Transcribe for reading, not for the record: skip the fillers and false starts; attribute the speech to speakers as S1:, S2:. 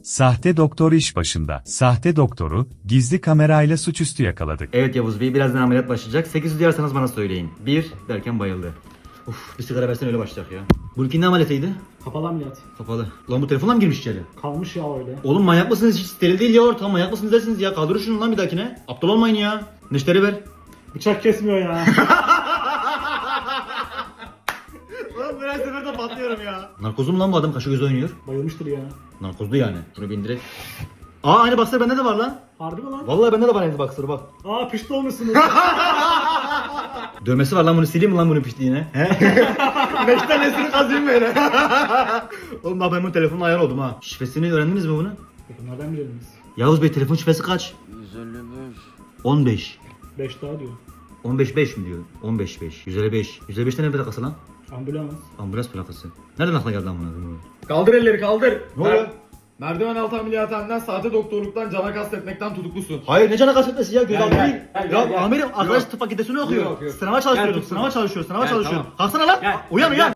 S1: Sahte doktor iş başında. Sahte doktoru, gizli kamerayla suçüstü yakaladık.
S2: Evet Yavuz Bey, birazdan ameliyat başlayacak. 800 duyarsanız bana söyleyin. 1 derken bayıldı. Uf, bir sigara versen öyle başlayacak ya. Bununki ne ameliyatıydı?
S3: Kapalı ameliyat.
S2: Kapalı. Lan bu telefonla mı girmiş içeri?
S3: Kalmış ya öyle.
S2: Oğlum manyak mısınız? Hiç steril değil ya ortam. Manyak mısınız dersiniz ya. Kaldırın şunu lan bir dahakine. Aptal olmayın ya. Neşteri ver.
S3: Bıçak kesmiyor ya.
S2: Oğlum her seferde patlıyorum ya. Narkozum lan bu adam, kaşı göz oynuyor.
S3: Bayılmıştır ya.
S2: Narkozlu yani. Şunu bir indirek. Aa, aynı boxer bende de var lan.
S3: Harbi mi lan?
S2: Vallahi bende de var aynı boxer bak.
S3: Aa pişti olmuşsunuz.
S2: Dövmesi var lan, bunu sileyim mi lan bunun piştiğine? He? 5 tanesini kazıyım böyle. Oğlum bak, ben bu telefonla ayar oldum ha. Şifresini öğrendiniz mi bunu?
S3: Bunlardan bilelim biz.
S2: Yavuz Bey, telefon şifresi kaç?
S4: 155.
S2: 15.
S3: 5 daha diyor.
S2: 15-5 mi diyor? 15-5. 155. 155'te ne plakası lan?
S3: Ambulans.
S2: Ambulans plakası. Nereden aklına geldi lan bunu?
S5: Kaldır elleri kaldır.
S2: Ne oluyor?
S5: Merdiven altı ameliyathaneden sahte doktorluktan cana kastetmekten tutuklusun.
S2: Hayır, ne cana kastetmesi ya? Gözaltı
S5: Gel,
S2: değil.
S5: gel,
S2: Ya
S5: gel, gel.
S2: amirim, arkadaş
S5: Yok.
S2: tıp fakültesini okuyor.
S5: Yok.
S2: Sınava çalışıyorum,
S5: Gel,
S2: sınava çalışıyor, sınava
S5: Gel,
S2: çalışıyor.
S5: tamam.
S2: Kalksana lan.
S5: Gel.
S2: Uyan uyan.